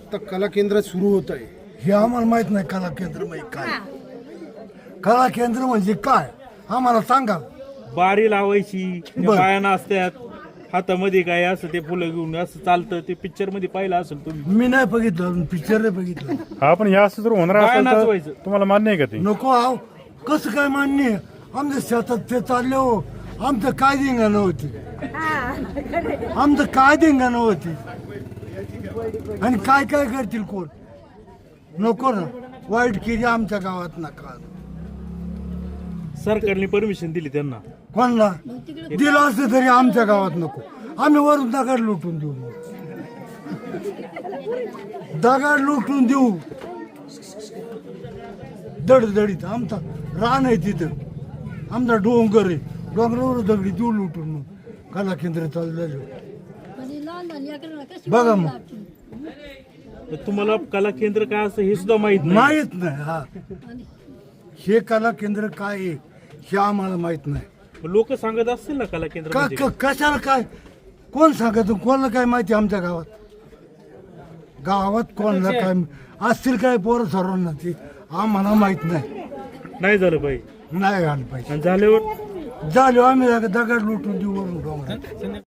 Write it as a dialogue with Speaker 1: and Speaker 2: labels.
Speaker 1: आता कला केंद्र सुरू होत आहे,
Speaker 2: हे आम्हाला माहित नाही कला केंद्र म्हणजे काय. कला केंद्र म्हणजे काय आम्हाला सांगा.
Speaker 3: बारी लावायची, त्या
Speaker 2: बरं.
Speaker 3: बाया नाचत्यात, हातामध्ये काय असं ते फुलं घेऊन असं चालतं. ते पिक्चर मध्ये पाहिलं असेल तुम्ही.
Speaker 2: मी नाही बघितलं, पिक्चर नाही बघितलं.
Speaker 4: हा पण हे असं जर होणार
Speaker 3: काय
Speaker 4: असेल तर
Speaker 3: नाचवायचं?
Speaker 4: तुम्हाला मान्य आहे का ते?
Speaker 2: नको आव, कसं काय मान्य आहे? आमच्या शेतात ते चालले हो, आमचं काय धिंगाणं होती, आमचं काय धिंगाणं होती, आणि काय काय करतील कोण. नको ना, वाईट केली आमच्या गावात नका.
Speaker 3: सरकारने परमिशन दिली त्यांना.
Speaker 2: कोणला दिलं असतं तरी आमच्या गावात नको. आम्ही वरून दगड लुटून देऊ, दगड लुटून देऊ दडदडीत. आमचा रान आहे तिथं, आमचा डोंगर आहे, डोंगरावर दगडी देऊ लुटून. मग कला केंद्र चालू बघा. मग
Speaker 3: तर तुम्हाला कला केंद्र काय असं हे सुद्धा माहित नाही.
Speaker 2: माहित नाही. हा, हे कला केंद्र काय आहे हे आम्हाला माहित नाही.
Speaker 3: लोक सांगत असतील ना कला केंद्र म्हणजे काय?
Speaker 2: कशाला काय, कोण सांगत, कोणाला काय माहिती आमच्या गावात. गावात कोणाला काय असतील काय पोरं सर्वांना, ते आम्हाला माहित नाही.
Speaker 3: नाही झालं पाहिजे.
Speaker 2: नाही आलं पाहिजे.
Speaker 3: आणि झाल्यावर
Speaker 2: झालो आम्ही दगड लुटून देऊ वरून डोंगरात.